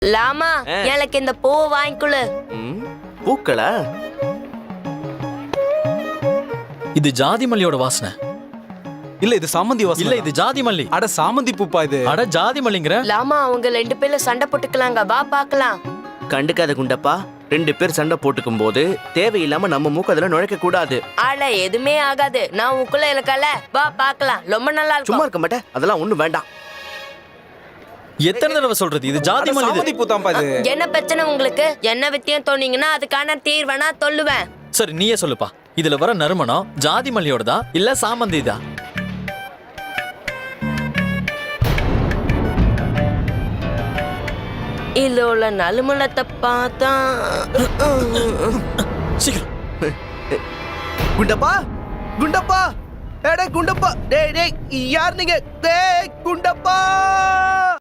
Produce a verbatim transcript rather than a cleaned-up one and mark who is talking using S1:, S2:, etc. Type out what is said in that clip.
S1: லாமா எனக்கு இந்த பூ வாங்கிக்கொள்ளு.
S2: பூக்களா?
S3: இது ஜாதி மல்லியோட வாசனை.
S4: இல்ல இது சாமந்தி வாசனை.
S3: இல்ல இது ஜாதி மல்லி.
S4: அட சாமந்தி பூப்பா இது.
S3: அட ஜாதி மல்லிங்கற.
S1: லாமா அவங்க ரெண்டு பேரும் சண்டை போட்டுக்கலாங்க, வா பார்க்கலாம்.
S2: கண்டுக்காத குண்டப்பா, ரெண்டு பேர் சண்டை போட்டுக்கும் போது தேவையில்லாம நம்ம மூக்கு அதுல நுழைக்க கூடாது.
S1: ஆள எதுவுமே ஆகாது, நான் உக்குள்ள இருக்கல, வா பார்க்கலாம். ரொம்ப நல்லா இருக்கும்.
S2: சும்மா இருக்க மாட்டேன், அதெல்லாம் ஒண்ணும் வேண்டாம்.
S3: எத்தனை தடவை சொல்றது, இது ஜாதி மல்லி.
S4: சாமந்தி பூ தான்ப்பா இது.
S1: என்ன பிரச்சனை உங்களுக்கு? என்ன வித்தியம் தோணீங்கன்னா அதுக்கான தீர்வனா சொல்லுவேன்.
S3: சரி நீயே சொல்லுப்பா, இதுல வர நறுமணம் ஜாதி மல்லியோடதா இல்ல சாமந்திதா?
S1: இதோட நலுமணத்தை பார்த்தா
S3: சீக்கிரம்.
S2: குண்டப்பா, குண்டப்பா, டேய் குண்டப்பா, டேய் டேய் யார் நீங்க? டேய் குண்டப்பா.